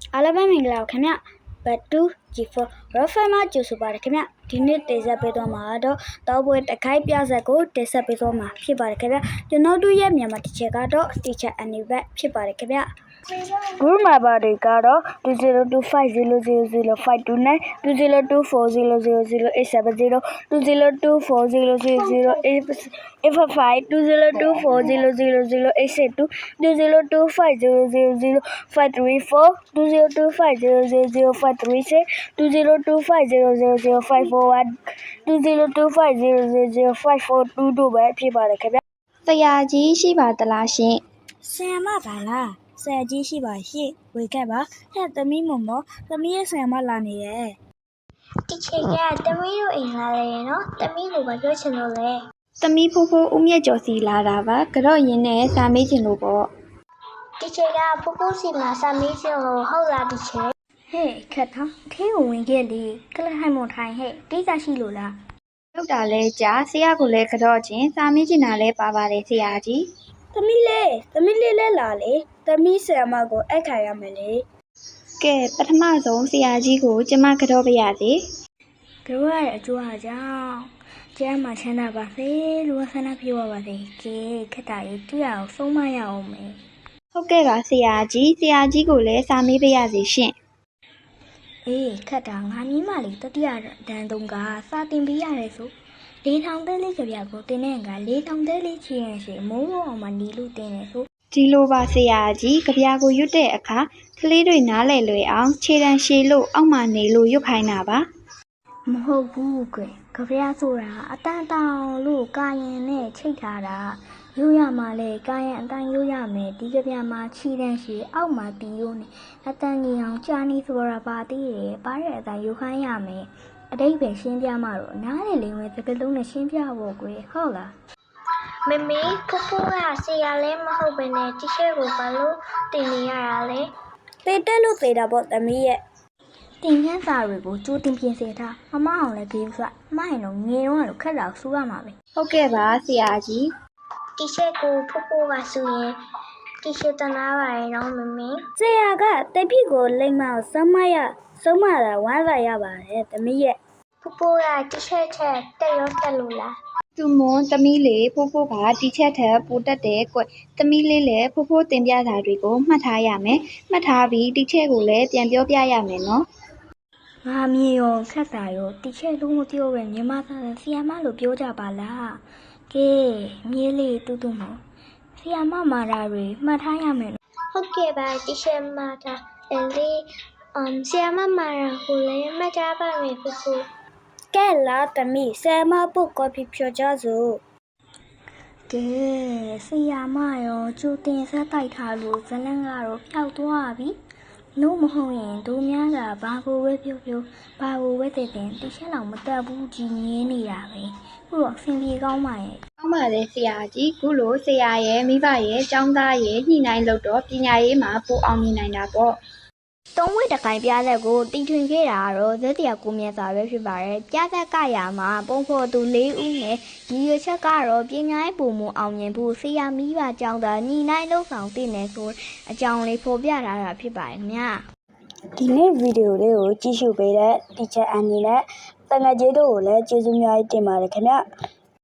အားလုံးပဲမင်္ဂလာပါခင်ဗျဘတ်တူ G4 Rafael မှာကြိုဆိုပါရခင်ဗျဒီနေ့တင်ဆက်ပေးသွားမှာတော့တောပွဲတခိုက်ပြဆက်ကိုတင်ဆက်ပေးသွားမှာဖြစ်ပါတယ်ခင်ဗျကျွန်တော်တို့ရဲ့မြန်မာတစ်ချက်ကတော့ teacher Anibet ဖြစ်ပါတယ်ခင်ဗျ group member တွေကတော့ 2025000529 2024000870 2024000855 2024000862 2025000534 2025000536 2025000541 2025000542တို့ပဲဖြစ်ပါတယ်ခင်ဗျဆရာကြီးရှိပါသလားရှင်ဆရာမပါလားဆရာကြီးရှိပါရှိဝေခဲ့ပါဟဲ့သမီးမမောသမီးရဲ့ဆရာမလာနေရဲ့တီချေကသမီးတို့အိမ်လာတယ်နော်သမီးကိုဘာပြောချင်လို့လဲသမီးဖိုးဖိုးဦးမြတ်ကျော်စီလာတာပါကြော့ရင်နဲ့စာမေးချင်လို့ပေါ့တီချေကဖိုးဖိုးစီမှာစာမေးချင်လို့ဟုတ်လားတီချေဟဲ့ခက်ထောင်းခေးကိုဝင်ခဲ့လေကလဟိုင်မွန်ထိုင်ဟဲ့ကိစ္စရှိလို့လားလောက်တာလဲကြာဆရာကလည်းကြော့ချင်းစာမေးချင်တာလဲပါပါတယ်ဆရာကြီးသမီးလေးလဲလာလေသမီးဆရာမကိုအိုက်ခါရမယ်လေကဲပထမဆုံးဆရာကြီးကိုကျမကြော့ပြရစီကြော့ရတဲ့အကျိုးအကြောင်းကျမ်းမှာချမ်းသာပါစေလို့ဆန္ဒပြုပါစေကဲခက်တာရေးတွေ့အောင်ဆုံးမရအောင်မယ်ဟုတ်ကဲ့ပါဆရာကြီးကိုလည်းစာမေးပြရစီရှင်အေးခက်တာငါမြင်မလေးတတိယတန်းတုံးကစာတင်ပေးရတယ်ဆို4000တဲလေးကြပြကိုတင်တဲ့က4000တဲလေးချီရင်ရှိမိုးအောင်မှနီလို့တင်နေဆိုဒီလိုပါဆရာကြီးကြပြကိုရွတ်တဲ့အခါကလေးတွေနားလည်လွယ်အောင်ခြေတန်းရှည်လို့အောက်မှနေလို့ရွတ်ခိုင်းတာပါမဟုတ်ဘူးကွယ်ကြပြဆိုတာအတန်တောင်လို့ကာရင်နဲ့ချိတ်ထားတာရိုးရမှာလေကာရင်အတန်ရိုးရမယ်ဒီကြပြမှာခြေတန်းရှည်အောက်မှတီးရိုးနေအတန်ကြီးအောင်ကြာနေဆိုတာပါသေးတယ်ပါတဲ့အတန်ယူခိုင်းရမယ်အတိတ်ပဲရှင်းပြမှတော့နားလေလိမ့်မယ်စကလုံးနဲ့ရှင်းပြဖို့ကွယ်ဟုတ်လားမမေဖိုးဖိုးကဆရာလည်းမဟုတ်ဘဲနဲ့တီချေကိုဘာလို့တင်နေရတာလဲသေတက်လို့သေတာပေါ့သမီးရဲ့တင်ခန်းစာတွေကိုကြိုးတင်ပြင်ဆင်ထားမမအောင်လည်းဂိမ်းဆွမဟင်တော့ငယ်တော့လို့ခက်တာဆူရမှာပဲဟုတ်ကဲ့ပါဆရာကြီးတီချေကိုဖိုးဖိုးကဆိုရင်တီချေတနာပါရဲ့နော်မမေဆရာကတိတ်ဖြစ်ကိုလိမ့်မအောင်ဆုံးမတာဝမ်းသာရပါတယ်သမီးရဲ့ဖိုးဖိုးကတီချေချက်တက်ရောတက်လို့လားသူမွန်သမီးလေးဖိုးဖိုးကတီချက်ထက်ပိုတက်တယ်ကွသမီးလေးလည်းဖိုးဖိုးတင်ပြတာတွေကိုမှတ်ထားရမယ်မှတ်ထားပြီးတီချက်ကိုလည်းပြန်ပြောပြရမယ်နော်ငါမြေရောခက်တာရောတီချက်လုံးမပြောပဲညီမသားဆီယာမလို့ပြောကြပါလားကဲမြေးလေးတူတူမောဆီယာမမာတာတွေမှတ်ထားရမယ်ဟုတ်ကဲ့ပါတီချက်မာတာလေးဆီယာမမာတာကိုလည်းမှတ်ထားပါမယ်ဖိုးဖိုးကဲလာသမီးဆရာမပုတ်ကော်ဖီဖြော်ကြစို့ကဲဆရာမရောကျိုးတင်ဆက်တိုက်ထားလို့ဇလန်းကတော့ပျောက်သွားပြီလို့မဟုတ်ရင်တို့များကဘာကိုဝဲပြောဘာကိုဝဲတဲ့တင်တချက်လောက်မတက်ဘူးကြီးငင်းနေတာပဲခုတော့အဆင်ပြေကောင်းပါရဲ့ကောင်းပါတယ်ဆရာကြီးခုလိုဆရာရဲ့မိဘရဲ့ကျောင်းသားရဲ့ညှိနှိုင်းလို့တော့ပညာရေးမှာပိုအောင်မြင်နိုင်တာပေါ့သုံးဝက်တကိုင်ပြသက်ကိုတီထွင်ခဲ့တာတော့ဇက်တရာကိုမြတ်စွာပဲဖြစ်ပါတယ်ပြသက်ကရမှာပုံဖော်သူ၄ဦးနဲ့ဒီရွချက်ကတော့ပညာရေးပုံမအောင်မြင်ဖို့ဆရာမိဘကျောင်းသားညီနိုင်လုံဆောင်တည်နေဆိုအကြောင်းလေးဖော်ပြထားတာဖြစ်ပါတယ်ခင်ဗျာဒီနေ့ဗီဒီယိုလေးကိုကြည့်ရှုပေးတဲ့ teacher အနေနဲ့တန်ငယ်ကြီးတို့ကိုလည်းကျေးဇူးများတင်ပါတယ်ခင်ဗျာ